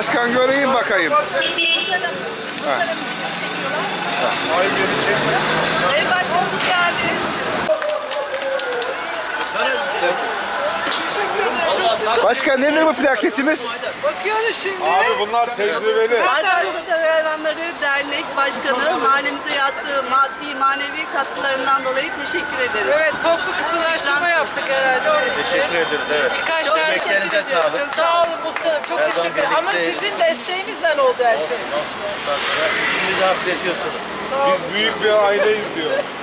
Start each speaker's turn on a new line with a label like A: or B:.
A: Başkan göreyim bakayım.
B: Ay beni çekme.
C: Sayın Başkanımız geldi.
A: Başkan nedir bu plaketimiz?
C: Bakıyoruz şimdi.
B: Abi bunlar tecrübeli.
C: Arkadaşlar Hayvanları Dernek Başkanı mahallemize yaptığı maddi manevi katkılarından dolayı teşekkür ederiz.
D: Evet, toplu kısımlaştırma yaptık herhalde onun için.
E: Teşekkür ederiz, evet.
D: Birkaç tane
E: Emeklerinize sağlık.
D: Sağ olun muhtarım, çok
E: Her zaman
D: teşekkür ederim. Ama
E: birlikteyiz.
D: sizin desteğinizden oldu her şey.
E: Olsun. Ondan sonra bizi affediyorsunuz.
B: Biz büyük bir aileyiz diyor.